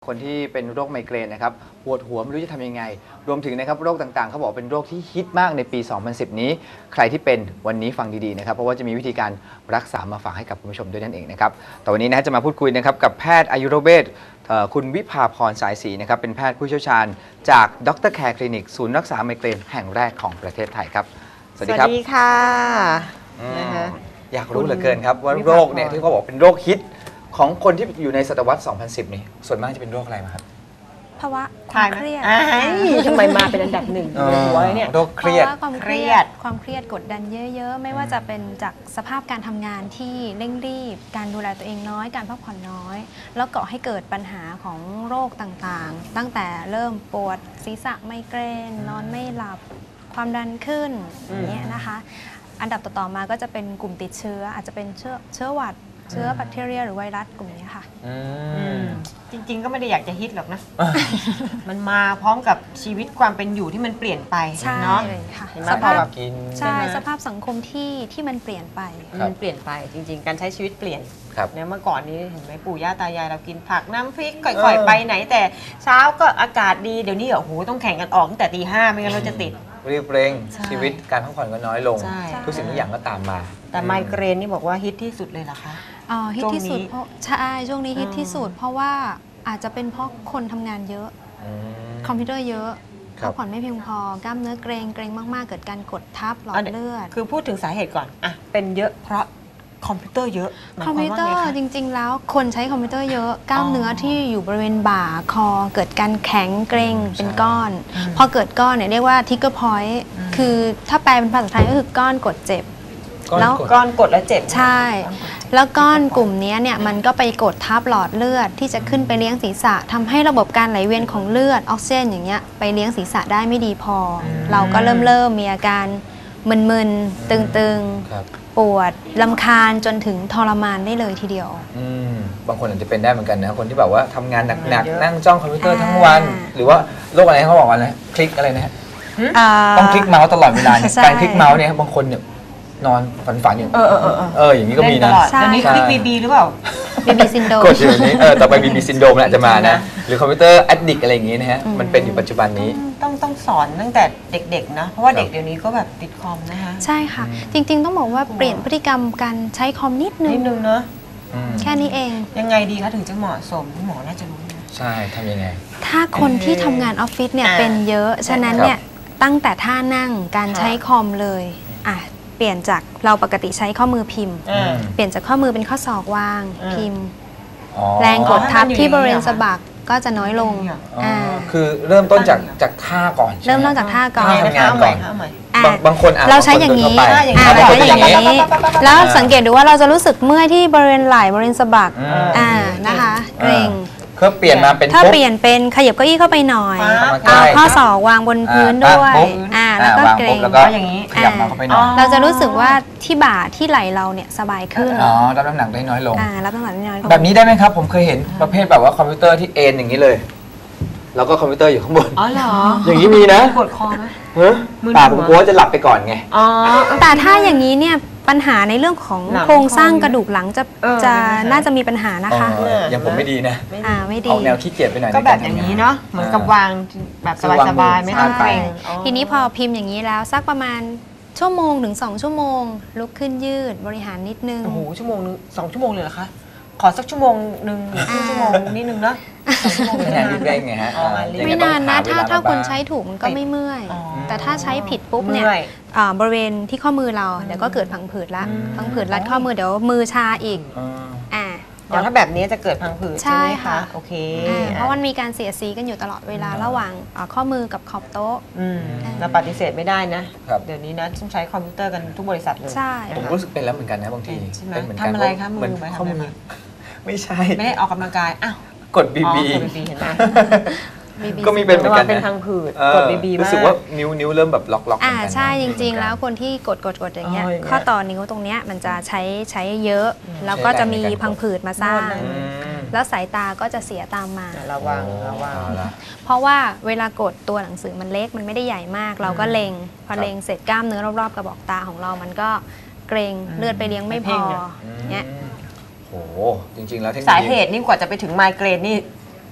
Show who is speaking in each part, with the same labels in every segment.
Speaker 1: คนที่เป็นโรคไมเกรนนะครับปวดหัวไม่รู้จะทำยังไงรวมถึงนะครับโรคต่างๆเขาบอกเป็นโรคที่ฮิตมากในปี 2010 นี้ใครที่เป็นวันนี้ฟังดีๆนะครับเพราะว่าจะมีวิธีการรักษามาฝากให้กับคุณผู้ชมด้วยนั่นเองนะครับแต่วันนี้นะจะมาพูดคุยนะครับกับแพทย์อายุรเวชคุณวิภาพรสายศรีนะครับเป็นแพทย์ผู้เชี่ยวชาญจากดรแคร์คลินิกศูนย์รักษาไมเกรนแห่งแรกของประเทศไทยครับสวัสดีครับ
Speaker 2: สวัสดีค่ะ
Speaker 1: อยากรู้เหลือเกินครับว่าโรคเนี่ยที่เขาบอกเป็นโรคฮิตของคนที่อยู่ในศตวรรษ 2010 นี่ส่วนมากจะเป็นโรคอะไรมาครับ
Speaker 3: ภาวะความเครียด
Speaker 2: ทำไมมาเป็นอันดับหนึ่งในหัวเลยเนี่ย
Speaker 1: โรคเครียด
Speaker 3: เพราะว่าความเครียดกดดันเยอะๆไม่ว่าจะเป็นจากสภาพการทำงานที่เร่งรีบการดูแลตัวเองน้อยการพักผ่อนน้อยแล้วก่อให้เกิดปัญหาของโรคต่างๆตั้งแต่เริ่มปวดศีรษะไมเกรนนอนไม่หลับความดันขึ้นอย่างเงี้ยนะคะอันดับต่อๆมาก็จะเป็นกลุ่มติดเชื้ออาจจะเป็นเชื้อหวัดเชื้อแบคทีเรียหรือไวรัสกลุ่มนี้ค่ะ
Speaker 2: จริงๆก็ไม่ได้อยากจะฮิตหรอกนะ มันมาพร้อมกับชีวิตความเป็นอยู่ที่มันเปลี่ยนไป
Speaker 3: ใช่
Speaker 2: เนาะ
Speaker 3: เลยค่ะ
Speaker 2: เห็นไหม
Speaker 3: ส
Speaker 2: พอ
Speaker 3: ภาพ
Speaker 2: แบบ
Speaker 1: กิน
Speaker 3: ใช่สภาพสังคมที่มันเปลี่ยนไป
Speaker 2: มันเปลี่ยนไปจริงๆการใช้ชีวิตเปลี่ยน
Speaker 1: ครับ
Speaker 2: เนี่ยเมื่อก่อนนี้เห็นไหมปู่ย่าตายายเรากินผักน้ำพริกค่อยๆไปไหนแต่เช้าก็อากาศดีเดี๋ยวนี้โอ้โหต้องแข่งกันออกตั้งแต่ตี 5ไม่งั้นเราจะติด
Speaker 1: รีบเร่ง
Speaker 2: ใช่
Speaker 1: ชีวิตการพักผ่อนก็น้อยลง
Speaker 2: ใช่
Speaker 1: ทุกสิ่งทุกอย่างก็ตามมา
Speaker 2: แต่ไมเกรนนี่บอกว่าฮิตที่สุดเลยเหรอคะ
Speaker 3: ฮิตที่สุด
Speaker 2: ช่วงนี้
Speaker 3: เพราะใช่ช่วงนี้ฮิตที่สุดเพราะว่าอาจจะเป็นเพราะคนทำงานเยอะ
Speaker 1: อืม
Speaker 3: คอมพิวเตอร์เยอะ
Speaker 1: ครับ
Speaker 3: พักผ่อนไม่เพียงพอกล้ามเนื้อเกรงมากๆเกิดการกดทับหลอดเลือด
Speaker 2: คือพูดถึงสาเหตุก่อนอ่ะเป็นเยอะเพราะคอมพิวเตอร์เยอะหาย
Speaker 3: คอม
Speaker 2: วา
Speaker 3: พิวเตอ
Speaker 2: ว่า
Speaker 3: ร์
Speaker 2: ไงคะ
Speaker 3: จริง ๆ แล้วคนใช้คอมพิวเตอร์เยอะกล้ามเนื้อที่อยู่บริเวณบ่าคอเกิดการแข็งเกร็งเป็นก้อน พอเกิดก้อนเนี่ยเรียกว่าทิกเกอร์พอยต์คือถ้าแปลเป็นภาษาไทยก็คือก้อนกดเจ็บ แล้ว
Speaker 2: ก้อนกดแล้วเจ็บ
Speaker 3: ใช่ แล้วก้อนกลุ่มนี้เนี่ยมันก็ไปกดทับหลอดเลือดที่จะขึ้นไปเลี้ยงศีรษะทำให้ระบบการไหลเวียนของเลือดออกซิเจนอย่างเงี้ยไปเลี้ยงศีรษะได้ไม่ดีพออเราก็เริ่มมีอาการมึนๆตึง
Speaker 1: ครับ
Speaker 3: ๆปวดลำคาญจนถึงทรมานได้เลยทีเดียว
Speaker 1: บางคนอาจจะเป็นได้เหมือนกันนะคนที่แบบว่าทำงานหนัก
Speaker 2: เยอะ
Speaker 1: ๆนั่งจ้องคอมพิวเตอร์ทั้งวัน หรือว่าโรคอะไรเขาบอกว่าอะไรคลิกอะไรนะฮะต้องคลิกเมาส์ตลอดเวลาเนี่ย
Speaker 3: ใช่
Speaker 1: การคลิกเมาส์เนี่ยบางคนเนี่ยนอนฝันๆอยู่อย่างนี้ก็มี
Speaker 2: เล่
Speaker 1: นะ
Speaker 2: ตลอด
Speaker 3: ใช่
Speaker 2: เดี๋ยวนี้คลิกบีหรือเปล่า
Speaker 3: BB ซินโดรม
Speaker 1: กดอยู่อย่างนี้ต่อไปมีซินโดรมแหละจะมานะหรือคอมพิวเตอร์แอดดิกอะไรอย่างนี้นะฮะมันเป็นอยู่ปัจจุบันนี้
Speaker 2: ต้องสอนตั้งแต่เด็กๆนะเพราะว่าเด็กเดี๋ยวนี้ก็แบบติดคอมนะคะ
Speaker 3: ใช่ค่ะ จริงๆต้องบอกว่าเปลี่ยนพฤติกรรมการใช้คอมนิดนึ
Speaker 2: นิ
Speaker 3: ง
Speaker 2: ดนึงเนาะ
Speaker 3: แค่นี้เอง
Speaker 2: ยังไงดีคะถึงจะเหมาะสมหมอน่าจะรู้นะ
Speaker 1: ใช่ทำยังไง
Speaker 3: ถ้าคนที่ทำงานออฟฟิศเนี่ยเป็นเยอะ ฉะนั้นเนี่ยตั้งแต่ท่านั่งการใช้คอมเลยเปลี่ยนจากเราปกติใช้ข้อมือพิมพ์ เปลี่ยนจากข้อมือเป็นข้อศอกวางพิมพ์ แรงกดทับที่บริเวณสะบักก็จะน้อยลง
Speaker 1: คือเริ่มต้นจากท่าก่อนใช่ไห
Speaker 3: เริ่มต้นจากท่าก่อน
Speaker 1: ทำงานก่อน
Speaker 2: เอาใหม่
Speaker 1: บางคน
Speaker 3: เราใช้อย่างนี้
Speaker 1: นี้
Speaker 3: เราใช้อย่างนี้ แล้วสังเกตดูว่าเราจะรู้สึกเมื่อยที่บริเวณไหล่บริเวณสะบักนะคะเกร็ง
Speaker 1: ก็เปลี่ยนมาเป็น
Speaker 3: ถ้าเปลี่ยนเป็นขยับเก้าอี้เข้าไปหน่อย
Speaker 1: ใกล้
Speaker 3: เอาข้อศอกวางบนพื้นด้วยแล้วก็เกรง
Speaker 1: แล้วก็อย่างนี้ขยับมาเข้าไปหน่อย
Speaker 3: เราจะรู้สึกว่าที่บ่าที่ไหล่เราเนี่ยสบายขึ้น
Speaker 1: รับน้ำหนักได้น้อยลง
Speaker 3: รับน้ำหนักได้น้อยลง
Speaker 1: แบบนี้ได้ไหมครับ ผมเคยเห็นประเภทแบบว่าคอมพิวเตอร์ที่เอ็นอย่างนี้เลย แล้วก็คอมพิวเตอร์อยู่ข้างบน
Speaker 2: อ๋อเหรอ
Speaker 1: อย่างนี้มีนะ
Speaker 2: ปวดคอไหม
Speaker 1: เฮ้ย
Speaker 2: มึน
Speaker 1: ป่า
Speaker 2: หั
Speaker 1: ผ
Speaker 2: ว
Speaker 1: มกลัวว่าจะหลับไปก่อนไง
Speaker 2: อ๋อ
Speaker 3: แต่ถ้าอย่างนี้เนี่ยปัญหาในเรื่องของ
Speaker 2: หลัง
Speaker 3: โครงสร้างกระดูกหลังจะ
Speaker 2: จะ
Speaker 3: น่าจะมีปัญหานะคะ
Speaker 1: อย่างผมไม่ดีนะ
Speaker 3: ไม่ดี
Speaker 1: ออกแนวขี้เกียจไปหน่อย
Speaker 2: ก็
Speaker 1: ใน
Speaker 2: แบ
Speaker 1: ร
Speaker 2: บอย่าง
Speaker 1: ทำ
Speaker 2: นี้เนาะเหมือนกับวางแบบสบายๆไม่ต้องเก
Speaker 3: ใช่
Speaker 2: รง
Speaker 3: ทีนี้พอพิมพ์อย่างนี้แล้วสักประมาณชั่วโมงถึง2 ชั่วโมง ลุกขึ้นยืดบริหารนิดนึง
Speaker 2: โอ้โหชั่วโมงนึง2 ชั่วโมงเลยเหรอคะขอสักชั่วโมงนึงหรือครึ่งชั่วโมงนิดนึงเนาะ2 ชั่วโมง
Speaker 1: เป็นงานรีบเร่งไงฮะ
Speaker 3: ไม่นานนะถ้า
Speaker 1: ต้องหเวล
Speaker 3: คน
Speaker 1: บ้ง
Speaker 3: ใช้ถูกมันก็ไม่เมื่อย
Speaker 2: อ๋อ
Speaker 3: แต่ถ้าใช้ผิดปุ๊บเนี่ย
Speaker 2: มื่อย
Speaker 3: บริเวณที่ข้อมือเราเดี๋ยวก็เกิดพังผืดละพังผืดรัดข้อมือเดี๋ยวมือชาอีก
Speaker 1: อ่า
Speaker 2: อ๋อถ้าแบบนี้จะเกิดพังผืดใช่ไหม
Speaker 3: ใช่ค่ะ
Speaker 2: คะโอเค
Speaker 3: เพราะมันมีการเสียดสีกันอยู่ตลอดเวลาระหว่างข้อมือกับขอบโต๊ะ
Speaker 2: เราปฏิเสธไม่ได้นะครับ เดี๋ยวนี้นะต้องใช้คอมพิวเตอร์กันทุกบริษัทเลย
Speaker 3: ใช่
Speaker 1: ผมรู้สึกเป็นแล้วเหมือนกันนะบางที
Speaker 2: ใช่ไหม
Speaker 1: เป็นเหมือนกัน
Speaker 2: ทำอะไรคะมือ
Speaker 1: เหมือน
Speaker 2: ไปทำอะไร
Speaker 1: ข้อมือ
Speaker 2: มา
Speaker 1: ไม่ใช่
Speaker 2: ไม่ได้ออกกำลังกายอ้าว
Speaker 1: กดบี
Speaker 2: อ๋อ
Speaker 1: บี
Speaker 2: กดบีเห็นไหม
Speaker 3: BB
Speaker 1: ก็มีเป็นเหมือนกัน
Speaker 2: เป็น
Speaker 1: นะ
Speaker 2: พังผืด
Speaker 1: เออก
Speaker 2: ดบีมาก
Speaker 1: รู้สึกว่านิ้วเริ่มแบบล็อกๆเหมือนกันนะ
Speaker 3: ใช่จริงๆ แล้วคนที่กดอย่างเงี้ย
Speaker 2: อ๋ออย่างเงี้ย
Speaker 3: ข้อต่อนิ้วตรงเนี้ยมันจะใช้เยอะ แล้วก็จะมีพังผืดมาสร้าง
Speaker 1: อืม
Speaker 3: แล้วสายตาก็จะเสียตามมา
Speaker 2: ระวังระวัง
Speaker 1: เอาละ
Speaker 3: เพราะว่าเวลากดตัวหนังสือมันเล็กมันไม่ได้ใหญ่มาก เราก็เล็งพอเล็งเสร็จกล้ามเนื้อรอบๆกระบอกตาของเรามันก็เกรงเลือดไปเลี้ยงไม่พอเนี้ย
Speaker 1: โหจริงๆแล้วเทคโนโลยี
Speaker 2: สาเหตุนี่กว่าจะไปถึงไมเกรนนี่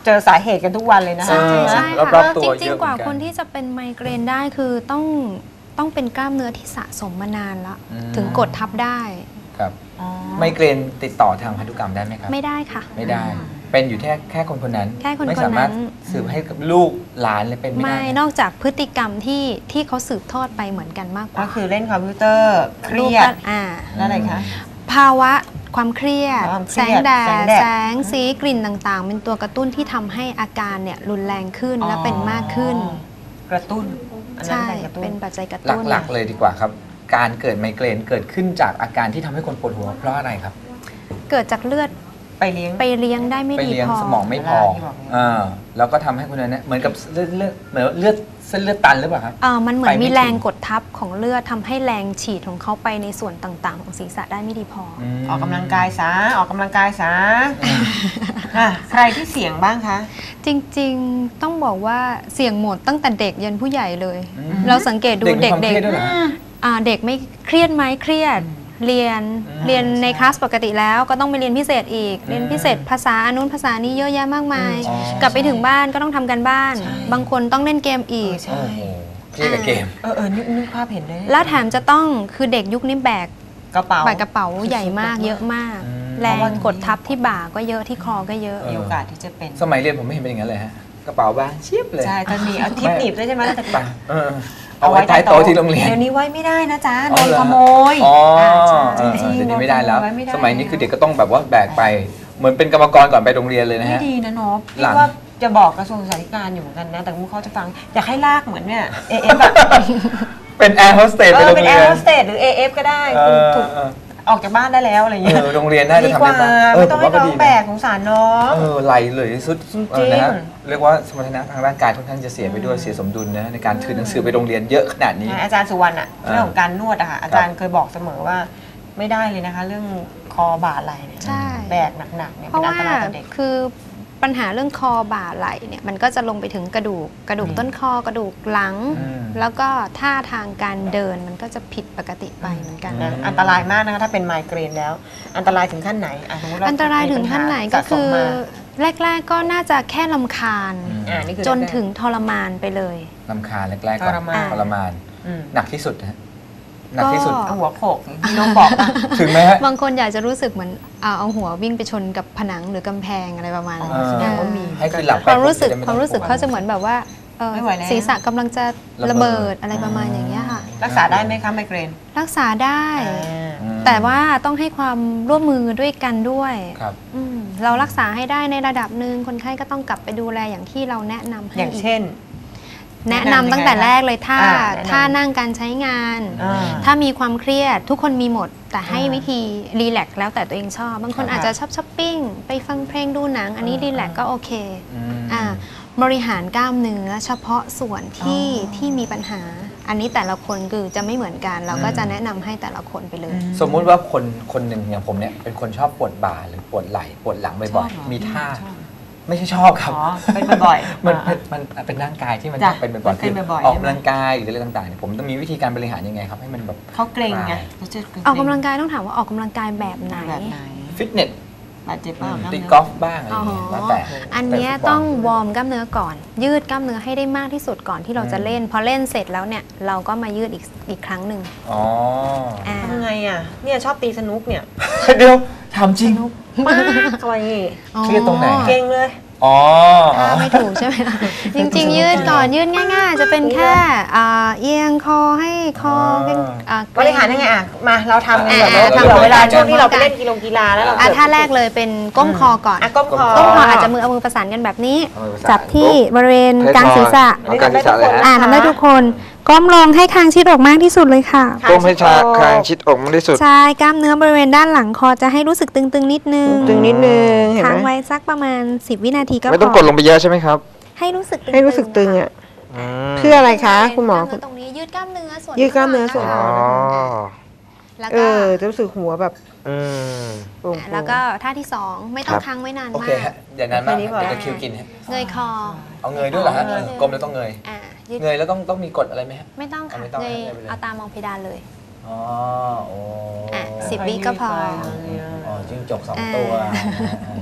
Speaker 2: เจอสาเหตุกันทุกวันเลยนะ
Speaker 3: ใช่
Speaker 2: คะ
Speaker 3: ใช่
Speaker 1: รอบ
Speaker 3: ค่ะ
Speaker 1: ๆตัว
Speaker 3: จ
Speaker 1: เย
Speaker 3: ริง
Speaker 1: อะ
Speaker 3: ๆ กว่า
Speaker 1: เหมือนกัน
Speaker 3: คนที่จะเป็นไมเกรนได้คือต้องเป็นกล้ามเนื้อที่สะสมมานานแล้ว
Speaker 1: อืม
Speaker 3: ถึงกดทับได้
Speaker 1: ครับ
Speaker 2: อ๋อ
Speaker 1: ไมเกรนติดต่อทางพันธุกรรมได้ไหมครับ
Speaker 3: ไม่ได้ค่ะ
Speaker 1: ไม่ได้ เป็นอยู่แค่คนคนนั้น
Speaker 3: แค่คนๆนั้น
Speaker 1: ไม่สามารถสืบให้กับลูกหลานเลยเป็นไม่
Speaker 3: ไม่
Speaker 1: ได้
Speaker 3: นอกจากพฤติกรรมที่เขาสืบทอดไปเหมือนกันมากก
Speaker 2: ก็
Speaker 3: ว่า
Speaker 2: คือเล่นคอมพิวเตอร์เครียด แล้วอะไรคะ
Speaker 3: ภาวะความเครียด
Speaker 2: ความเครี
Speaker 3: แส
Speaker 2: ยด
Speaker 3: งแด
Speaker 2: แสง
Speaker 3: ด
Speaker 2: แดด
Speaker 3: แสงสีกลิ่นต่างๆ เป็นตัวกระตุ้นที่ทำให้อาการเนี่ยรุนแรงขึ้นและเป็นมากขึ้น
Speaker 2: กระตุ้นอันนั้น
Speaker 3: ใช่
Speaker 2: เป็นกระตุ้น
Speaker 3: เป็นปัจจัยกระ
Speaker 1: ห
Speaker 3: ตุ้น
Speaker 1: ลักๆเลยดีกว่าครับ การเกิดไมเกรนเกิดขึ้นจากอาการที่ทำให้คนปวดหัวเพราะอะไรครับ
Speaker 3: เกิดจากเลือด
Speaker 2: ไปเลี้ยง
Speaker 3: ไปเลี้ยงได้ไม่
Speaker 1: ไป
Speaker 3: ดี
Speaker 1: เลี้ยง
Speaker 3: พอ
Speaker 1: สมองไม่พอ
Speaker 2: ที่บอกเนี่ย
Speaker 1: แล้วก็ทำให้คนนั้นเนี่ยเหมือนกับเหมือนเลือดเส้นเลือดตันหรือเปล่าครับ
Speaker 3: มันเหมือน
Speaker 1: ไปไม่
Speaker 3: มีแรง
Speaker 1: ถึง
Speaker 3: กดทับของเลือดทำให้แรงฉีดของเขาไปในส่วนต่างๆ ของศีรษะได้ไม่ดีพออ
Speaker 1: ม
Speaker 2: ออกกำลังกายซะออกกำลังกายซะอ่ะใครที่เสี่ยงบ้างคะ
Speaker 3: จริงๆต้องบอกว่าเสี่ยงหมดตั้งแต่เด็กยันผู้ใหญ่เลย
Speaker 1: อืม
Speaker 3: เราสังเกตดู
Speaker 1: เด็กมี
Speaker 3: เด็
Speaker 1: ความเครียด
Speaker 3: ก
Speaker 1: ด้วยเหรอฮะ
Speaker 3: เด็กไม่เครียดไหมเครียด เรียน
Speaker 1: อืม
Speaker 3: เรียนในคลาสปกติแล้วก็ต้องไปเรียนพิเศษอีก
Speaker 1: อืม
Speaker 3: เรียนพิเศษภาษาอันนู้นภาษานี้เยอะแยะมากมาย
Speaker 1: อ๋อก
Speaker 3: ลับไปถึงบ้านก็ต้องทำกันบ้าน
Speaker 2: ใช่
Speaker 3: บางคนต้องเล่นเกมอีก
Speaker 2: ใช่
Speaker 1: โอ้โหเครียดกับเกม
Speaker 2: นึกภาพเห็นเลย
Speaker 3: แล้วแถมจะต้องคือเด็กยุคนี้แบก
Speaker 2: กระเป๋า
Speaker 3: กระเป๋าใหญ่มากเยอะมาก
Speaker 1: อืม
Speaker 3: แรงกดทับที่บ่าก็เยอะที่คอก็เยอะ
Speaker 2: มีโอกาสที่จะเป็น
Speaker 1: สมัยเรียนผมไม่เห็นเป็นอย่างนั้นเลยฮะกระเป๋าบางเชียบเลย
Speaker 2: ใช่ตอนนี้เอาทิปหนีบด้วยใช่ไหมแล้วแต่
Speaker 1: ไปเอาไว้ใต้โต๊ะที่โรงเรียน
Speaker 2: เดี๋ยวนี้ไว้ไม่ได้นะจ๊ะ
Speaker 1: อ๋
Speaker 2: โด
Speaker 1: อน เหรอ
Speaker 2: ขโมย
Speaker 1: อ๋อ
Speaker 3: ใช่
Speaker 1: เออ
Speaker 2: จริงๆ
Speaker 1: เดี๋ยวนี้ไม่ได้แล้ว
Speaker 2: ไว้ไม่ได้
Speaker 1: สมัยนี้คือเด็กก็ต้องแบบว่าแบกไป เหมือนเป็นกรรมกรก่อนไปโรงเรียนเลยนะ
Speaker 2: ไม่
Speaker 1: ฮะ
Speaker 2: ดีนะนบ
Speaker 1: หลั
Speaker 2: พี่
Speaker 1: ง
Speaker 2: ว่าจะบอกกระทรวงศึกษาธิการอยู่เหมือนกันนะ แต่มุกเขาจะฟัง อยากให้ลากเหมือนเนี่ยเอฟแบบ
Speaker 1: เป็นแอร์โฮสเตสไปโรง
Speaker 2: เป็น
Speaker 1: เรี
Speaker 2: แอย ร์
Speaker 1: น
Speaker 2: โฮสเตสหรือ AF ก็ได้
Speaker 1: เออ
Speaker 2: ถูก
Speaker 1: เออ
Speaker 2: ออกจากบ้านได้แล้วอะไรอย่างเงี้ย
Speaker 1: โรงเรียนน่าจะ
Speaker 2: ดี
Speaker 1: ทำ
Speaker 2: กว่า
Speaker 1: ได้บ้าง
Speaker 2: ไม่ต้อง
Speaker 1: ผ
Speaker 2: ให้
Speaker 1: ว่าก็
Speaker 2: น้อ
Speaker 1: ดี
Speaker 2: งแบ
Speaker 1: นะ
Speaker 2: กสงสารน้อง
Speaker 1: ไหลเลยสุด
Speaker 2: จริง
Speaker 1: นะฮะเรียกว่าสมรรถนะทางร่างกายค่อนข้างจะเสียไปด้วยเสียสมดุลนะในการถือหนังสือไปโรงเรียนเยอะขนาดนี้
Speaker 2: อาจารย์สุวรรณอะ
Speaker 1: อ่า
Speaker 2: เรื่องของการนวดอะค่ะอาจารย์เคยบอกเสมอว่าไม่ได้เลยนะคะ เรื่องคอบ่าไหล่เนี่ย
Speaker 3: ใช่
Speaker 2: แบกหนักๆเนี่ย
Speaker 3: เพ
Speaker 2: เป็น
Speaker 3: ราะ
Speaker 2: อัน
Speaker 3: ว่า
Speaker 2: ตรายต่อเด็ก
Speaker 3: คือปัญหาเรื่องคอบ่าไหล่เนี่ยมันก็จะลงไปถึงกระดูกต้นคอกระดูกหลัง
Speaker 1: อืม
Speaker 3: แล้วก็ท่าทางการเดินมันก็จะผิดปกติไปเหมือนกัน
Speaker 2: นะอันตรายมากนะคะถ้าเป็นไมเกรนแล้ว อันตรายถึงขั้นไหนสมมุติว่
Speaker 3: อันตรายถึงขั้นไหนก็
Speaker 2: สะส
Speaker 3: คื
Speaker 2: ม
Speaker 3: อ
Speaker 2: มา
Speaker 3: แรก ๆก็น่าจะแค่ลำคาญ
Speaker 2: นี่คือ
Speaker 3: จนถึงทรมานไปเลย
Speaker 1: ลำคาญแรกๆก่อน
Speaker 2: ทรมาน
Speaker 1: ทรมาน
Speaker 2: อืม
Speaker 1: หนักที่สุดนะฮะหนักที่สุด
Speaker 2: เอาหัวโขกที่น้องบอกอะ
Speaker 1: ถึงไหมฮะ
Speaker 3: บางคนอยากจะรู้สึกเหมือนเอาหัววิ่งไปชนกับผนังหรือกำแพงอะไรประมาณนั้น
Speaker 2: แสดงว่ามี
Speaker 1: ให้คือหลับไป
Speaker 3: ความรู้สึก
Speaker 1: จะได้ไ
Speaker 3: ความรู้สึก
Speaker 1: ต้อง
Speaker 3: เขาจะเหมือนแบบว่า
Speaker 2: ไม่ไหวแล้ว
Speaker 3: ศีรษะกำลังจะระเบิดอะไรประมาณอย่างเงี้ยค่ะ
Speaker 2: รักษาได้ไหมคะไมเกรน
Speaker 3: รักษาได้
Speaker 1: อืม
Speaker 3: แต่ว่าต้องให้ความร่วมมือด้วยกันด้วย
Speaker 1: ครับ
Speaker 3: เรารักษาให้ได้ในระดับหนึ่งคนไข้ก็ต้องกลับไปดูแลอย่างที่เราแนะนำให้
Speaker 2: อย่างเช่น
Speaker 3: แนะนำตั้งแต่แรกเลยถ้า
Speaker 2: แนะนำ
Speaker 3: ถ้านั่งการใช้งาน
Speaker 2: อ่า
Speaker 3: ถ้ามีความเครียดทุกคนมีหมด แต่ให้
Speaker 2: อ่า
Speaker 3: วิธีรีแลกซ์แล้วแต่ตัวเองชอบ บางคน
Speaker 2: ค่ะ
Speaker 3: อาจจะชอบช้อปปิ้งไปฟังเพลงดูหนัง อันนี้รีแลกซ์ก็โอเค
Speaker 1: อืม
Speaker 3: บริหารกล้ามเนื้อเฉพาะส่วนที่มีปัญหา อันนี้แต่ละคนคือจะไม่เหมือนกัน เราก็จะแนะนำให้แต่ละคนไปเลย
Speaker 1: สมมุติว่าคนหนึ่งอย่างผมเนี่ยเป็นคนชอบปวดบ่าหรือปวดไหล่ปวดหลังบ่อย
Speaker 2: ชอบเหรอ
Speaker 1: ๆมีท่า
Speaker 2: ชอบ
Speaker 1: ไม่ใช่ชอบครับ
Speaker 2: อ๋อเป็นบ่อยๆ
Speaker 1: มัน
Speaker 2: อ่า
Speaker 1: มันเป็นร่างกายที่มัน
Speaker 2: จ้ะ
Speaker 1: เป็นบ่อย
Speaker 2: มันเป็นบ่อยๆ
Speaker 1: ออก
Speaker 2: ใช่ไหม
Speaker 1: กำลังกายหรืออะไรต่างๆเนี่ยผมต้องมีวิธีการบริหารยังไงครับให้มันแบบ
Speaker 2: เขาเกรงไง
Speaker 3: ออกกำลังกายต้องถามว่าออกกำลังกายแบบไหน
Speaker 2: แบบไหน
Speaker 1: ฟิตเนส
Speaker 2: บาดเจ็บเปล่า
Speaker 1: ตีกอล์ฟบ้างอะไรอย่างเงี้ยแล้วแต่
Speaker 3: อันเนี้ย
Speaker 1: แต่ฟุตบล
Speaker 3: ต้องวอร์มกล้ามเนื้อก่อน ยืดกล้ามเนื้อให้ได้มากที่สุดก่อนที่เราจะเล่น พอเล่นเสร็จแล้วเนี่ยเราก็มายืดอีกครั้งหนึ่ง
Speaker 1: อ๋อ
Speaker 3: อ่า
Speaker 2: ทำไงอ่ะเนี่ยชอบตีสนุกเนี่ย
Speaker 1: เดี๋ยวถามจริง
Speaker 2: มากอะไร
Speaker 1: เครียดตรงไหน
Speaker 2: เก่งเลย
Speaker 1: อ๋อ
Speaker 3: ถ้าไม่ถูกใช่ไหมล่ะ จริงๆ ยืดก่อนยืดง่ายๆ จะเป็นแค่เอียงคอให้คอเป็น
Speaker 2: บริหารยังไงอ่ะมาเราทำกันแบบ
Speaker 3: อ่า
Speaker 2: เผื่อ
Speaker 3: ทำ
Speaker 2: เวลา
Speaker 3: ทำ
Speaker 2: ช่วงที่เราไปเล่นกีฬาแล้วเรา
Speaker 3: ท่าแรกเลยเป็นก้มคอก่อน
Speaker 2: ก้มคอ
Speaker 3: ก้มคออาจจะเอามือประสานกันแบบนี้
Speaker 1: เอามือประสาน
Speaker 3: จับที่บริเวณกลางศีรษะ
Speaker 1: เอากลางศีรษะเลยฮะ
Speaker 3: ทำได้ทุกคนก้มลงให้คางชิดออกมากที่สุดเลยค่ะ
Speaker 4: ก้มให้ชาคางชิดอกมากที่สุด
Speaker 3: ใช่กล้ามเนื้อบริเวณด้านหลังคอจะให้รู้สึกตึงๆนิดนึง
Speaker 4: ตึงนิดนึงเห็น
Speaker 3: ค้าง
Speaker 4: ไหม
Speaker 3: ไว้สักประมาณ10 วินาทีก็พอ
Speaker 4: ไม่ต้องกดลงไปเยอะใช่ไหมครับ
Speaker 3: ให้รู้สึกตึงๆ
Speaker 4: ให้รู้สึกตึงอ่ะ
Speaker 3: ค่ะ
Speaker 4: เพื่ออะไรคะคุณหมอ
Speaker 3: กล้าเนื้ตรงนี้ยืดกล้ามเนื้อส่วน
Speaker 4: ยืดกล้ามเนื้อส่วน
Speaker 3: ข้างห
Speaker 4: อ๋
Speaker 3: ลั
Speaker 4: อง
Speaker 3: แล้ว
Speaker 4: เอ
Speaker 3: ก็
Speaker 4: จะรู้สึกหัวแบบ
Speaker 1: อืม
Speaker 4: โปร่งๆ
Speaker 3: แล้วก็ท่าที่ 2 ไม่ต้องค้างไว้นาน
Speaker 1: โอ
Speaker 3: มา
Speaker 1: เค
Speaker 3: ก
Speaker 1: ฮะอย่างนั้นมาก
Speaker 2: แค่นี้พอ
Speaker 1: เดี๋ยวตะคริวกินฮะ
Speaker 3: เงยคอ
Speaker 1: เอาเงยด้วยเหรอฮะ
Speaker 3: เงย
Speaker 1: กลมแล้วต้องเงย
Speaker 3: ยืด
Speaker 1: เงยแล้วต้องมีกฎอะไรไหมฮะ
Speaker 3: ไม่ต้องค่ะ
Speaker 1: ไม่ต้อง
Speaker 3: เงย
Speaker 1: ให้ไปเลย
Speaker 3: เอาตามองเพดานเลย
Speaker 1: อ๋อโอ้
Speaker 3: 10 วิก็พอ
Speaker 1: อ๋อจิ้งจก2 ตัว
Speaker 3: อ่า
Speaker 1: นะฮะ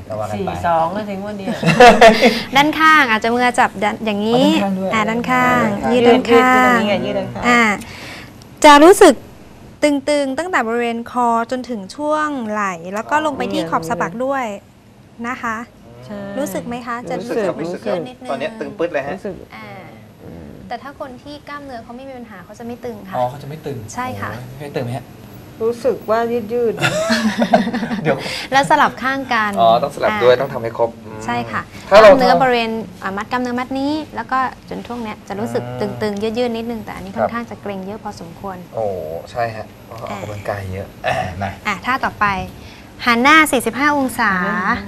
Speaker 1: ก็ว่ากันไป
Speaker 2: 4-2ก็ถึงวันเดียว
Speaker 3: ด้านข้างอาจจะมือจับอย่างนี้
Speaker 1: อ๋อด้านข้างด้วย
Speaker 3: ด้านข้างยืดด้านข้าง
Speaker 2: ยืดด้านข้าง
Speaker 3: จะรู้สึกตึงๆตั้งแต่บริเวณคอจนถึงช่วงไหล่แล้วก็ลงไปที่ขอบสะบักด้วยนะคะ
Speaker 2: ใช่
Speaker 3: รู้สึกไหมคะ จะ
Speaker 1: รู้สึกครับ
Speaker 3: มัน
Speaker 1: รู้สึก
Speaker 3: ยืดนิดนึง
Speaker 1: ตอนนี้ตึงปึ๊ดเลยฮะ
Speaker 4: รู้สึก
Speaker 3: อ่าแต่ถ้าคนที่กล้ามเนื้อเขาไม่มีปัญหาเขาจะไม่ตึงค่ะ
Speaker 1: อ๋อเขาจะไม่ตึง
Speaker 3: ใช่ค่ะ
Speaker 1: โอ้ยไม่ตึงไหมฮะ
Speaker 4: รู้สึกว่ายืด
Speaker 1: เดี๋ยว
Speaker 3: แล้วสลับข้างกัน
Speaker 1: อ๋อต้องสลับด้วยต้องทำให้ครบ
Speaker 3: ใช่ค่ะก
Speaker 1: ถ้าเรา
Speaker 3: ล้ามเนื้อบริเวณมัดกล้ามเนื้อมัดนี้ แล้วก็จนช่วงเนี้ยจะรู้สึกตึงๆยืดๆนิดนึงแต่อันนี้ค่อนข้างจะเกร็งเยอะพอสมควร
Speaker 1: โอ้ใช่ฮะเพราะออกกำลังกายเยอะมา
Speaker 3: ท่าต่อไปหันหน้า 45 องศา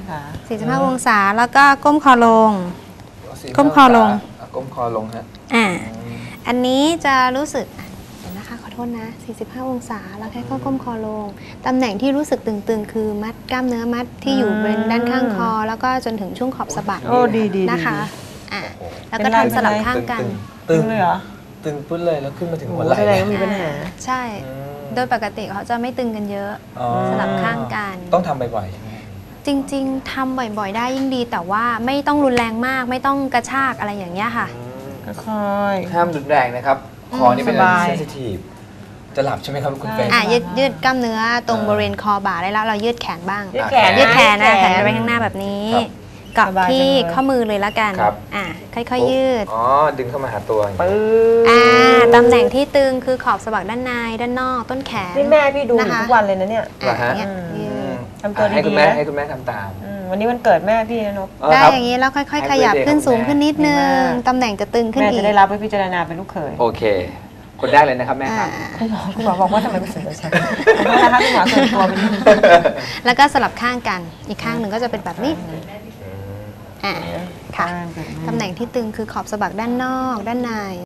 Speaker 3: 45 องศาแล้วก็ก้มคอลง ก้มคอลง
Speaker 1: ก้มคอลงฮะ
Speaker 3: อันนี้จะรู้สึกเดี๋ยวนะคะขอโทษนะ 45 องศาแล้วแค่ก้มคอลงตำแหน่งที่รู้สึกตึงๆ คือมัดกล้ามเนื้อมัดที่อยู่บริเวณด้านข้างคอ แล้วก็จนถึงช่วงขอบสะบัก
Speaker 4: ๆ โอ้ดีๆ
Speaker 3: นะคะ
Speaker 1: โอ้โห
Speaker 3: แล้วก็ทำสลับข้างกัน
Speaker 2: ตึงเลยเหรอ
Speaker 1: ตึงปึ๊ดเลยแล้วขึ้นมาถึง
Speaker 4: โอ้
Speaker 1: หัวไหล่
Speaker 4: แสดงว่ามีปัญหา
Speaker 3: ใช่ โดยปกติเขาจะไม่ตึงกันเยอะ
Speaker 1: อ๋อ
Speaker 3: สลับข้างกัน
Speaker 1: ต้องทำบ่อยๆใช่ไหม
Speaker 3: จริงๆทำบ่อยๆ ได้ยิ่งดี แต่ว่าไม่ต้องรุนแรงมากไม่ต้องกระชากอะไรอย่างเงี้ยค่ะ
Speaker 2: ค่อย
Speaker 1: ห้ามรุนแรงนะครับ คอนี่เป็นอะไร
Speaker 2: สบาย
Speaker 1: ที่เซนซิทีฟจะหลับใช่ไหมครับคุณเฟย์
Speaker 3: ยืดกล้ามเนื้อตรงบริเวณคอบ่าได้แล้วเรายืดแขนบ้าง
Speaker 2: ยืดแขน
Speaker 3: ยืดแขนนะ
Speaker 2: ยืด
Speaker 3: แข
Speaker 2: แข
Speaker 3: น
Speaker 2: น
Speaker 3: ไปข้างหน้าแบบนี้
Speaker 1: ครับ
Speaker 3: เกาะ
Speaker 2: สบายจัง
Speaker 3: ที่
Speaker 2: เลย
Speaker 3: ข้อมือเลยแล้วกัน
Speaker 1: ครับ
Speaker 3: ค่อยๆยืด
Speaker 1: อ๋อดึงเข้ามาหาตัวอย่าง
Speaker 2: ๆ
Speaker 1: นี้
Speaker 2: ปึ๊บ
Speaker 3: ตำแหน่งที่ตึงคือขอบสะบักด้านในด้านนอกต้นแขน
Speaker 2: นี่แม่พี่ดูอยู่
Speaker 3: นะคะ
Speaker 2: ทุกวันเลยนะเนี่ย
Speaker 1: เหรอฮะ
Speaker 3: อย่างเงี้ยยืด
Speaker 2: ทำตัว
Speaker 1: ให้คุ
Speaker 2: ดี
Speaker 1: ณ
Speaker 2: ๆ
Speaker 1: แม่
Speaker 2: นะ
Speaker 1: ให้คุณแม่ทำตาม
Speaker 2: วันนี้วันเกิดแม่พี่นะนก
Speaker 3: ได้
Speaker 1: ครับ
Speaker 3: อย่างนี้แล้วค่อย
Speaker 1: ให้
Speaker 3: ๆ ขยับ
Speaker 1: birthday
Speaker 3: ขึ้นสูง
Speaker 1: ของแม่
Speaker 3: ขึ้นนิดนึ
Speaker 2: ดี
Speaker 3: ง
Speaker 2: มาก
Speaker 3: ตำแหน่งจะตึงขึ้น
Speaker 2: แม่
Speaker 3: อี
Speaker 2: จะ
Speaker 3: ก
Speaker 2: ได้รับไปพิจารณาเป็นลูกเขย
Speaker 1: โอเค คนแรกเลยนะครับแม่ครับ
Speaker 2: คุณหมอบอกว่าทำไมไม่สนใจฉันขอโทษนะคะคุณหมอเกินตัวไปนิดนึง
Speaker 3: แล้วก็สลับข้างกันอีกข้างหนึ่งก็จะเป็นแบบนี้ค่ะ
Speaker 2: ค่ะ
Speaker 3: ตำแหน่งที่ตึงคือขอบสะบักด้านนอกด้านใน